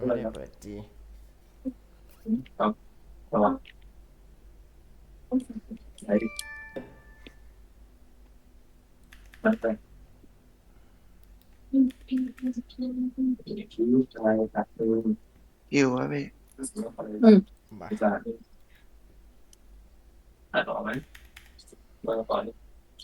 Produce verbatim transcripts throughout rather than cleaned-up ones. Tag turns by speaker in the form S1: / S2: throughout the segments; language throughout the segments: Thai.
S1: ไม่ได้เปิดจี
S2: ครับระวังใช้มันไปคิ้วชายตัดตือ
S3: อยู่วะพี่
S2: อืม
S1: บ่า
S2: จะอ่านออกไหมมาก่อน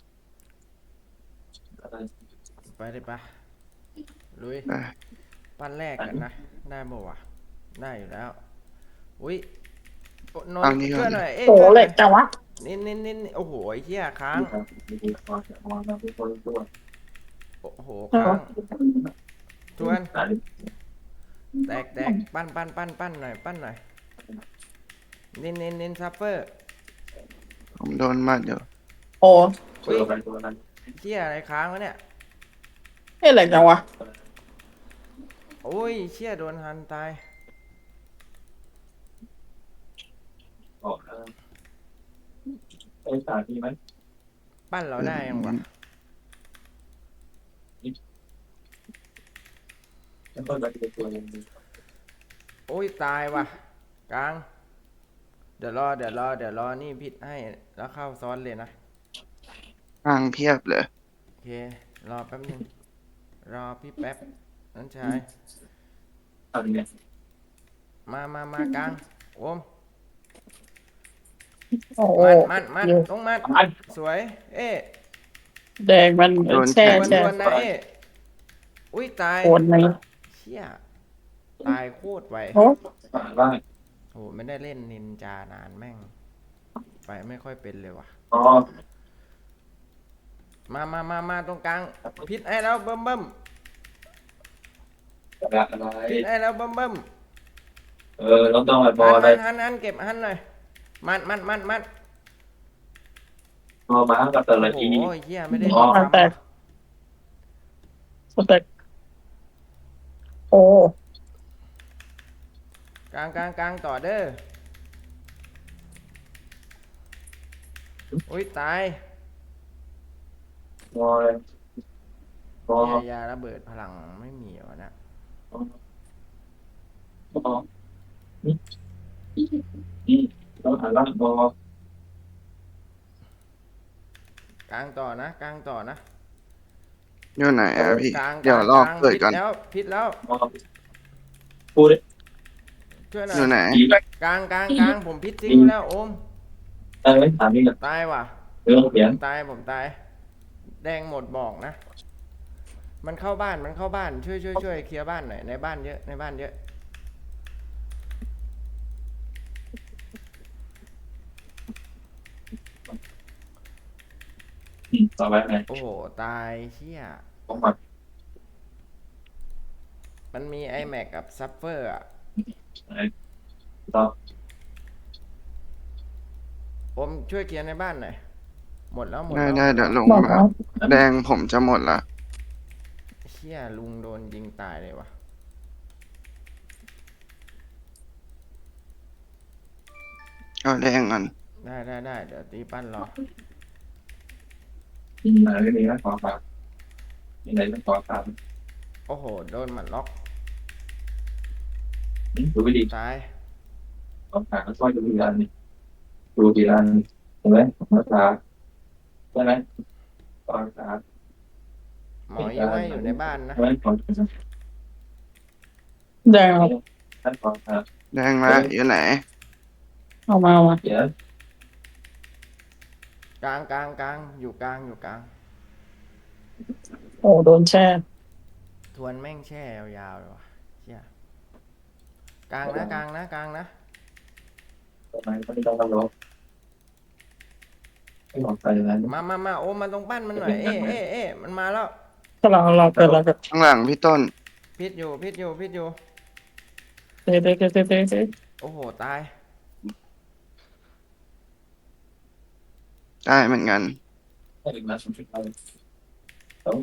S2: อะไร
S1: ไปเลยปะลุย
S3: อ่ะ
S1: ปั้นแรกกันนะได้บ่วะได้อยู่แล้วอุ้ยโอ้นน
S3: เอา
S1: ท์ช่วยหน่
S3: นี้ก่อนเลย
S1: อยเอ้ย
S4: โห
S1: ช่วยหน่อย
S4: เหล็กจังวะ
S1: นินนินนินโอ้โหไอ้เหี้ยค้าง
S2: ที่ทำที่ทำจะมองมาเป็นคนตัว
S1: โอ้โห
S4: เออ
S1: ค้างทวน
S2: อ่าน
S1: แตกแตกปั้นปั้นปั้นปั้นหน่อยปั้นหน่อยนินนินนินซัฟเฟอร์
S3: ผมโดนมัดอยู่
S4: โอ้
S2: ตัวอะไรตัวนั้น
S1: เหี้ยอะไรค้างวะเนี่ย
S4: เฮ้ยเหล็กจังวะ
S1: โอ้ยเชี่ยโดนฮันตาย
S2: ออกไอ้ตาที่ไหม
S1: ปั้นเราได้ยังวะ
S2: แล้วก็จะเป็นตัวเองดี
S1: โอ้ยตายว่ะกลางเดี๋ยวรอเดี๋ยวรอเดี๋ยวรอนี่พิษให้แล้วเข้าซ้อนเลยนะ
S3: ทางเพียบเลย
S1: โอเครอแป๊บนึงรอพี่แป๊บนั่นชาย
S2: อะไรเนี่ย
S1: มามามากลางโอม
S4: โอ้โห
S1: มันมันมัน
S4: อยู่
S1: ต้องมันสวยเอ๊ะ
S4: แดงมันแช่
S1: ดวน
S4: แช่
S1: ดวนนะเอ๊ะอุ้ยตาย
S4: โคนไหม
S1: เชี่ยตายโคตรไว
S4: โอ้
S2: ป่าล่าง
S1: โหไม่ได้เล่นนินจานานแม่งไปไม่ค่อยเป็นเลยว่ะ
S2: อ๋อ
S1: มามามามาตรงกลางพิษให้แล้วเบิ่มเบิ่ม
S2: อะไรอะไร
S1: พิษให้แล้วเบิ่มเบิ่ม
S2: เออเราต้องไปบอ
S1: หัน
S2: อะไร
S1: หันหันหันเก็บหันหน่อยมันมันมันมัน
S2: พอมากับแต่ละ
S1: โอ้
S2: ที
S1: โหเฮียไม่ได้
S2: อ๋อ
S4: มันแตกสเต็กโอ้
S1: กลางกลางกลางต่อเด้ออุ้ยตาย
S2: บอเลยบอ
S1: เฮียยาระเบิดพลังไม่มีวะนะ
S2: บอนี่นี่ต้องหาล่างบอก
S1: ลางต่อนะกลางต่อนะ
S3: อยู่ไหนอ่ะพี่
S1: กลางก
S3: เดี๋ยวรอ
S1: ลางกลาง
S3: เปิดก่อน
S1: พิษแล้วพิษแล้ว
S2: บอพูดเลย
S1: ช่วยหน่อ
S3: อยู่ไหน
S1: ย
S2: ดีไป
S1: กลางกลางกลางผมพิษทิ้งแล้วโอม
S2: เออถามนี่กัน
S1: ตายว่ะ
S2: เรื่องเขียน
S1: ตายผมตายแดงหมดบอกนะมันเข้าบ้านมันเข้าบ้านช่วยช่วยช่วยเคลียร์บ้านหน่อยในบ้านเยอะในบ้านเยอะ
S2: ต่อไปไหน
S1: โอ้โหตายเชี่ย
S2: ของมัน
S1: มันมีไอแม็กกับซัฟเฟอร์อ่ะ
S2: ไหนต่อ
S1: ผมช่วยเคลียร์ในบ้านหน่อยหมดแล้วหมด
S3: ได้
S1: แล้ว
S3: ได้เดี๋ยวลง
S4: บอก
S3: มา
S4: แล้ว
S3: แดงผมจะหมดละ
S1: เชี่ยลุงโดนยิงตายเลยวะ
S3: เอาแดงก่อน
S1: ได้ได้ได้เดี๋ยวตีปั้นรอ
S2: ไหนก็มีนะขอฝากยังไงต้องขอฝาก
S1: โอ้โหโดนหมัดล็อก
S2: ดูไม่ดี
S1: ตาย
S2: ขอฝากก็ช่วยดูทีละนี่ดูทีละนี่เห็นไหมขอฝากใช่ไหมขอฝาก
S1: หมอยังไม่อยู่ในบ้านนะ
S2: ใช่ไหมขอ
S4: แดงครับ
S2: ท่านขอฝาก
S3: แดงมาอยู่ไหน
S4: เอามาเอามา
S2: เดี๋ยว
S1: กลางกลางกลางอยู่กลางอยู่กลาง
S4: โอ้โดนแช่
S1: ทวนแม่งแช่ยาวๆเลยวะเชี่ยกลางนะกลางนะกลางนะ
S2: ทำไมไม่ต้องรับรองไม่บอกใครนะ
S1: มามามาโอ้มันตรงปั้นมันหน่อยเอ๊ะเอ๊ะเอ๊ะมันมาแล้ว
S4: กำลังเราเปิดเราเปิด
S3: ข้างหลังพี่ต้น
S1: พิษอยู่พิษอยู่พิษอยู่
S4: เตะเตะเตะเตะเตะเตะ
S1: โอ้โหตาย
S3: ได้เหมือนกัน
S2: ถ้าถึงมาสมชุดเราต้อง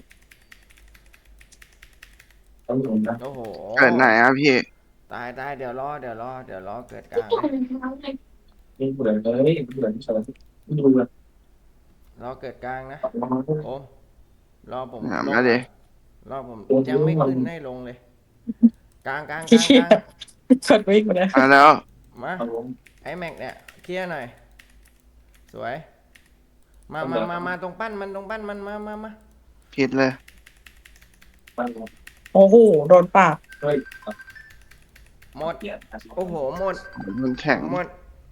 S2: ต้องลงนะ
S1: โอ้โห
S3: เกิดไหนอ่ะพี่
S1: ตายตายเดี๋ยวรอเดี๋ยวรอเดี๋ยวรอเกิดกลางนะ
S2: นี่เบื่อเลยเบื่อที่สุดไม่ดูเลย
S1: รอเกิดกลางนะโอ้รอผม
S3: ถาม
S1: ลง
S3: แล้วดิ
S1: รอผมยังไม่ขึ้นให้ลงเลยกลางกลางก
S4: เฮี
S1: ลางก
S4: ย
S1: ลาง
S4: กดวิ่งไปเลย
S3: มาแล้ว
S1: มา
S2: ครับผม
S1: ไอ้แม็กเนี่ยเคลียร์หน่อย สวย มา
S2: ผม
S1: มา
S2: เดิน
S1: มามาตรงปั้นมันตรงปั้นมันมามามา
S3: ผิดเลย
S2: มันผม
S4: โอ้โหโดนปาก
S2: เฮ้ย
S1: หมด
S2: เปลี่ยน
S1: โอ้โหหมด
S3: มันแข็ง
S1: หมด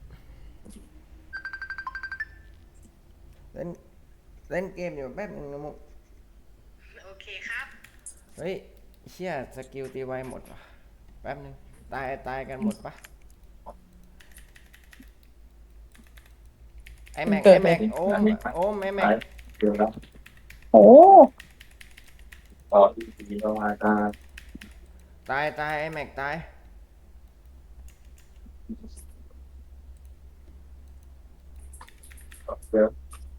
S1: เล่นเล่นเกมอยู่แป๊บหนึงนะมุก
S5: โอเคครับ
S1: เฮ้ยเชี่ยสกิลตีไวหมดว่ะแป๊บหนึงตายตายกันหมดปะไอแม็กไอแม็กโอมโอมไอแม็ก
S2: เดี๋ยวครับ
S4: โอ้
S2: ต่อที่สี่เรามาตา
S1: ตายตายไอแม็กตาย
S2: เดี๋ยว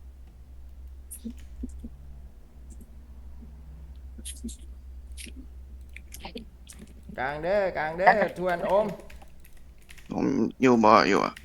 S1: กลางเด้อกลางเด้อทวนโอม
S3: ผมอยู่บ่ออยู่อะ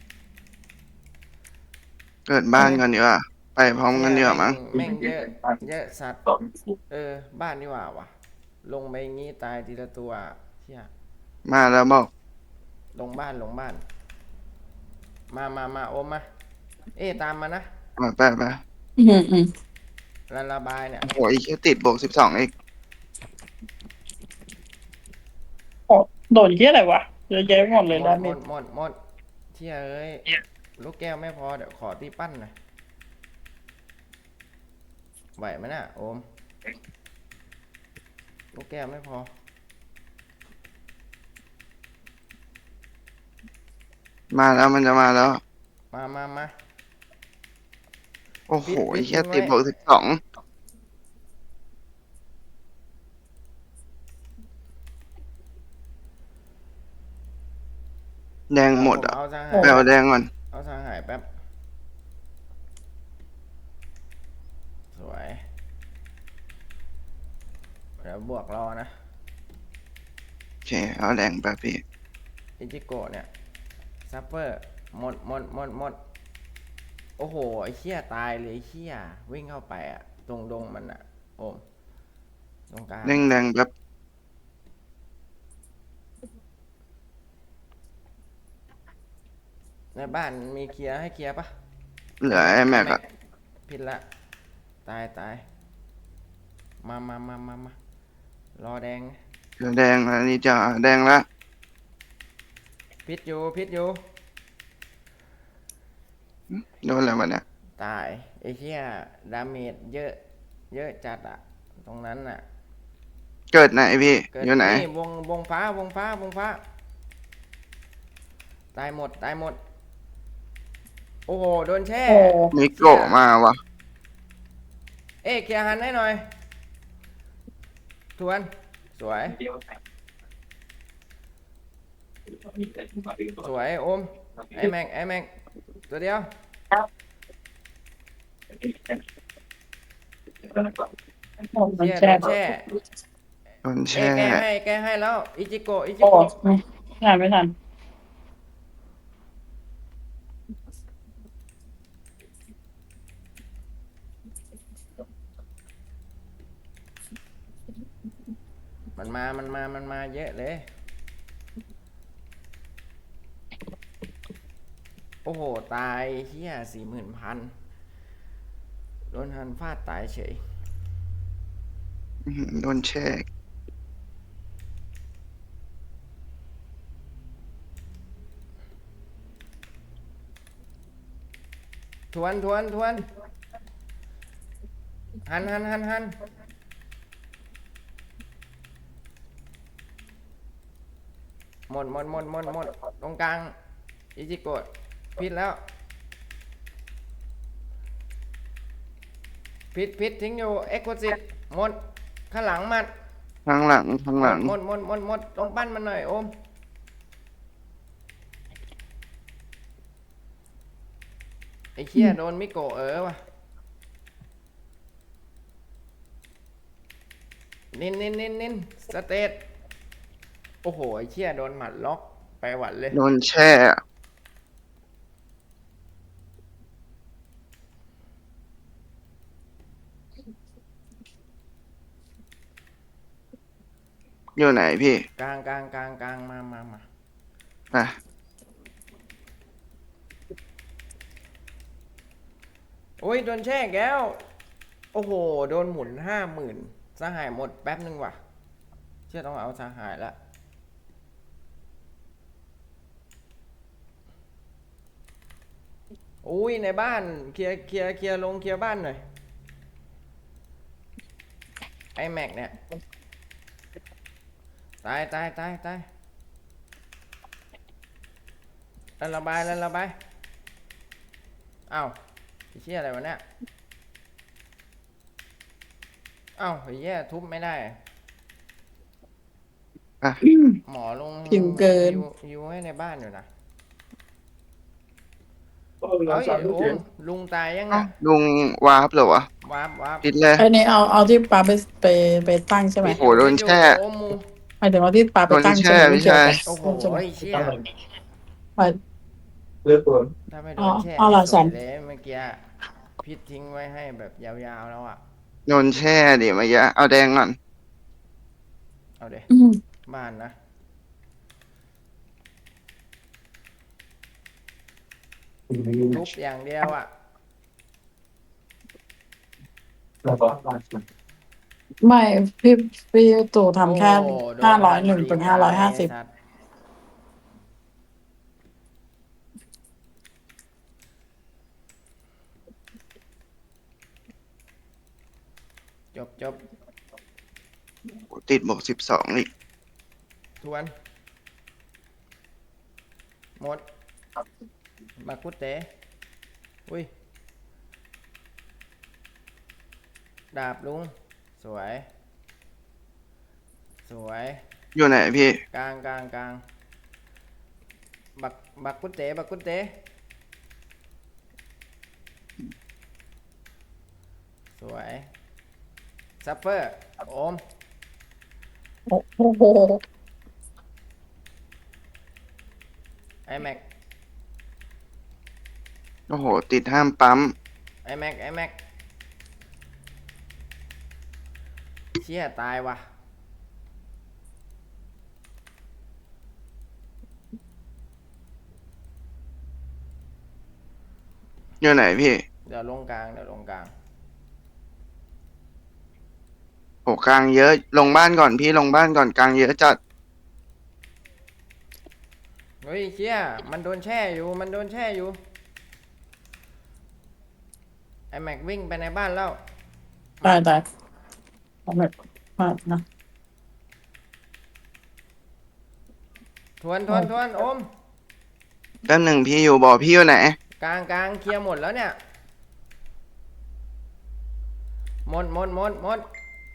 S3: เกิดบ้านกันดีกว่าไปพร้อมกันดีกว่ามั้ง
S1: แม่งเยอะเยอะสัตว์
S2: ต่อ
S1: เออบ้านนี่หว่าวะลงไปงี้ตายทีละตัวเชี่ย
S3: มาแล้วบอก
S1: ลงบ้านลงบ้าน มามามาโอมมาเอ๊ะตามมานะ
S3: มาไปไป
S4: อืมอืม
S1: ระระบายเนี่ย
S3: โอ้ยแค่ติดบวกสิบสองเอง
S4: โอ้โดนเฮียอะไรวะเยอะแยะหมดเลย
S1: หม
S4: ดา
S1: ด
S4: เม
S1: หม
S4: จ
S1: ดหมดหมดเชี่ยเอ้ยลูกแก้วไม่พอเดี๋ยวขอตีปั้นหน่อยไหวไหมน่ะโอมลูกแก้วไม่พอ
S3: มาแล้วมันจะมาแล้ว
S1: มามามา
S3: โอ้โห
S1: ปิดปิด
S3: แค่ติด
S1: ไว้
S3: บวกสิบสองแดงหมด
S1: ผ
S3: อ่ะ
S1: เอาสาง
S3: ไป
S1: หาย
S3: เอาแดงก่อน
S1: เอาสางหายแป๊บสวยเดี๋ยวบวกรอนะ
S3: โอเค เอาแดงไปพี่
S1: อิจิโกะเนี่ยซัฟเฟอร์หมดหมดหมดหมดโอ้โหไอ้เชี่ยตายเลยไอ้เชี่ยวิ่งเข้าไปอะตรงดงมันอะโอมตรงกลาง
S3: เร่งแดงแบบ
S1: ในบ้านมีเคลียร์ให้เคลียร์ปะ
S3: เหลือไอ้แม็กอะ
S1: ผิดละตายตายมามามามามารอแดง
S3: เหลือแดงแล้วนี่จะแดงละ
S1: พิษอยู่พิษอยู่
S3: โดนอะไรวะเนี่ย
S1: ตายไอ้เชี่ยดาเมจเยอะ เยอะจัดอะตรงนั้นอะ
S3: เกิดไหนพี่
S1: เกิด
S3: อยู่ไหน
S1: นี่วงวงฟ้าวงฟ้าวงฟ้า ตายหมดตายหมด โอ้โหโดนแช่
S4: โอ้
S3: มิโกะมาวะ
S1: เอ๊ะเคลียร์หันให้หน่อย ทวน สวย
S2: เดี๋ยวมีแต่ที่มาดึงตัว
S1: สวยโอม ไอแม็กไอแม็กตัวเดียว
S4: โอ้มัน
S1: เชี่ย
S4: แช่
S1: โดนแช่
S3: โดน
S1: เอ๊ะ
S3: แช่
S1: แกให้แกให้แล้ว อิจิโกะอิจิ
S4: โอ้
S1: โกะ
S4: ไม่ทันไม่ทัน
S1: มันมา มันมา มันมาเยอะเลย โอ้โห ตายเฮียสี่หมื่นพัน โดนหันฟาดตายเฉย
S3: อื้อหือโดนแช่
S1: ทวนทวนทวน หันหันหันหันหมดหมดหมดหมดหมดตรงกลาง อิจิโกะพิษแล้ว พิษพิษทิ้งอยู่ เอ็กโคซิตหมด ข้างหลังมัน
S3: ข้างหลังข้างหลัง
S1: หมดหมดหมดหมดตรงปั้นมันหน่อยโอม ไอ้เชี่ยโดนมิโกะเออวะนินนินนินนินสเตตโอ้โห ไอ้เชี่ยโดนหมัดล็อกไปหวัดเลย
S3: โดนแช่อะอยู่ไหนพี่
S1: กลางกลางกลางกลางมามามา
S3: อ่ะ
S1: โอ้ยโดนแช่แก้วโอ้โหโดนหมุนห้าหมื่นสหายหมดแป๊บนึงว่ะเชื่อต้องเอาสหายละอุ้ยในบ้านเคลียร์เคลียร์เคลียร์ลงเคลียร์บ้านหน่อยไอแม็กเนี่ยตายตายตายตายแล้วระบายแล้วระบายอ้าวไอ้เชี่ยอะไรวะเนี่ยอ้าวไอ้เหี้ยทุบไม่ได้
S3: อ่ะ
S1: หมอลง
S4: ผิวเกิน
S1: ยูยูให้ในบ้านอยู่นะ
S2: ก็เรา
S1: เอ้ย
S2: สามลูก
S1: โอ้
S2: เจ็ด
S1: ลุงตายยัง
S3: เอ้า
S1: อ่ะ
S3: ลุงวาร์ปเหรอวะ
S1: วาบวาบ
S3: ปิดเลย
S4: ไอ้นี่เอาเอาที่ปาไปไปไปตั้งใช่ไหม
S3: โอ้โหโดนแช่
S1: โอ้มู
S4: หมายถึงว่าที่ปาไปตั้งใช่ไหม
S3: โดนแช่
S4: ไม่เกี่ยวกับ
S3: ไม่ใช่
S1: โอ้โห
S4: ใช่ไหม
S1: ไอ้เชี่ย
S4: ไป
S2: เลือกตัว
S1: ถ้าไม่โด
S4: อ๋อน
S1: แช่
S4: เอาเหรอ
S1: ส
S4: สั
S1: วย
S4: น
S1: เลยเมื่อกี้พิษทิ้งไว้ให้แบบยาวๆแล้วอ่ะ
S3: โดนแช่ดิเมื่อกี้เอาแดงก่อน
S1: เอาเด
S4: อืม
S1: บ้านนะทุบอย่างเดียวอ่ะ
S2: แล้วก็
S4: ไม่พี่พี่ตู่ทำแค่
S1: โอ้โดน
S4: ห้าร้อยหนึ่งถึงห้าร้อยห้าสิบ
S1: ไสัตว์จบจบ
S3: ติดบวกสิบสองอีก
S1: ทวนหมดมากุเตะอุ้ยดาบลุงสวยสวย
S3: อยู่ไหนพี่
S1: กลางกลางกลางบักบักกุเตะบักกุเตะสวยซัฟเฟอร์โอม
S4: โอ้โห
S1: ไอแม็ก
S3: โอ้โห ติดห้ามปั๊ม
S1: ไอแม็กไอแม็กเชี่ยตายว่ะ
S3: อยู่ไหนพี่
S1: เดี๋ยวลงกลางเดี๋ยวลงกลาง
S3: โอ้กลางเยอะ ลงบ้านก่อนพี่ลงบ้านก่อนกลางเยอะจัด
S1: เฮ้ยเชี่ยมันโดนแช่อยู่มันโดนแช่อยู่ไอแม็กวิ่งไปในบ้านแล้ว
S4: ตายตายเอาแบบมากนะ
S1: ทวนทวนทวนโอม
S3: แป๊บหนึ่งพี่อยู่บอกพี่อยู่ไหน
S1: กลางกลางเคลียร์หมดแล้วเนี่ยหมดหมดหมดหมด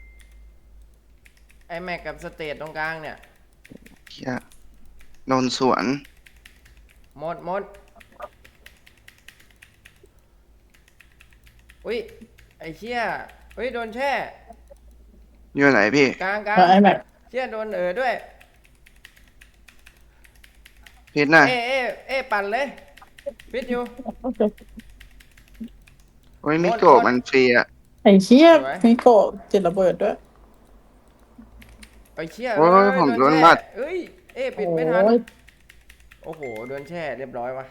S1: ไอแม็กกับสเตทตรงกลางเนี่ย
S3: เหี้ยโดนสวน
S1: หมดหมดอุ้ยไอเชี่ยเฮ้ยโดนแช่
S3: อยู่ไหนพี่
S1: กลางกลาง
S4: แล้วไอ้แม็ก
S1: เชี่ยโดนเออด้วย
S3: พิษนะ
S1: เอเอเอปั่นเลยพิษอยู่
S4: โอเค
S3: โอ้ยมิ
S1: หมด
S3: โกะ
S1: หมด
S3: มันฟรีอะ
S4: ไอ้เชี่ย
S1: สวย
S4: มิโกะติดระเบิดด้วย
S1: ไอเชี่ย
S3: โอ้ย
S1: เอ้ย
S3: ผมโดน
S1: แช่
S3: มัด
S1: เอ้ยเอปิดไม่ทัน
S4: โอ้ย
S1: โอ้โหโดนแช่เรียบร้อยวะ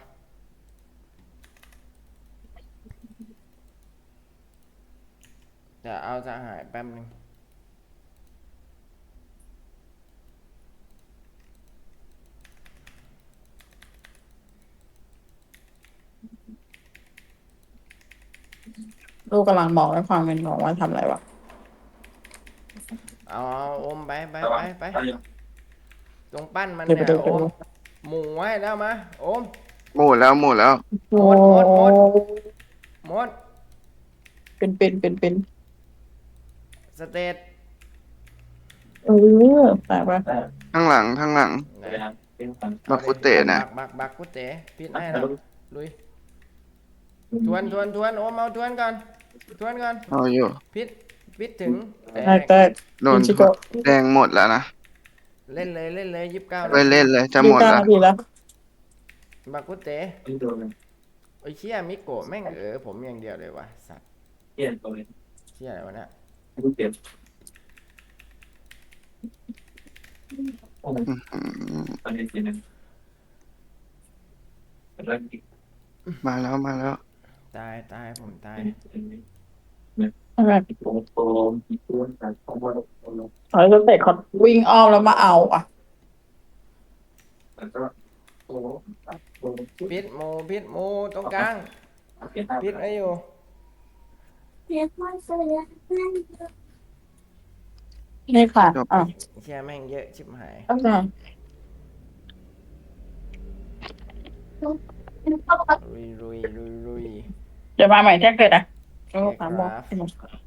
S1: เดี๋ยวเอาสหายแป๊บนึง
S4: ลูกกำลังบอกให้ความเป็นของว่าทำอะไรวะ
S1: เอาเอาโอมไปไป
S2: ระ
S1: ไป
S2: วัง
S1: ไป
S2: ตายยัง
S1: ตรงปั้นมัน
S4: เดี๋ยว
S1: เนี่ย
S4: ไปดู
S1: โอมหมูไว้แล้วมาโอม
S3: หมดแล้วหมดแล้ว
S4: โอ้
S1: หมดหมดหมด หมด
S4: เป็นเป็นเป็นเป็น
S1: สเตท
S4: เออแปลกว่า
S2: แต่
S3: ข้างหลังข้างหลัง
S2: ไปทางเป็นฟัน
S3: บักกุเตะนะ
S1: บักบักบักกุเตะพิษให้แล้วลุยทวนทวนทวนโอมเอาทวนก่อนทวนก่อน
S3: เอาอยู่
S1: พิษพิษถึงแต
S4: แตก
S1: ก
S4: แตก
S3: โดน
S4: อิชิโกะ
S3: แดงหมดแล้วนะ
S1: เล่นเลยเล่นเลยยี่สิบเก้า
S3: ไปเล่นเลยจะ
S4: ยี่
S3: หม
S4: สิ
S3: ด
S4: บเก้า
S3: แล้ว
S4: นาทีแล้ว
S1: บักกุเตะ
S2: ที่โดนเลย
S1: ไอ้เชี่ยมิโกะแม่งเออผมอย่างเดียวเลยวะสัตว์
S2: เกี่ยนตัวเลย
S1: เชี่ยอะไรวะเนี่ย
S2: ลูกเจ็บโอ้ย
S3: อื้อหือ
S2: ตอนนี้ทีนึงเริ่มอีก
S3: มาแล้วมาแล้ว
S1: ตายตายผมตาย
S4: อะไร
S2: โอ้โหอีกตัวแต่ของว่า
S4: เฮ้ยสเต็กเขาวิ่งอ้อมแล้วมาเอาอ่ะ
S2: แต่ก็โอ้โห
S1: พิษหมูพิษหมูตรงกลาง
S2: เปลี่ยนหน้า
S1: พิษไอ้อยู่
S4: นี่ค่ะ
S3: จบ
S4: อ่ะ
S1: เชี่ยแม่งเยอะชิบหาย
S4: ตั้งใจ
S1: รุยรุยรุยรุย
S4: เดี๋ยวมาใหม่แจ้งเกิดอ่ะโอ้
S1: โอเค
S4: สามโมง
S1: ครับ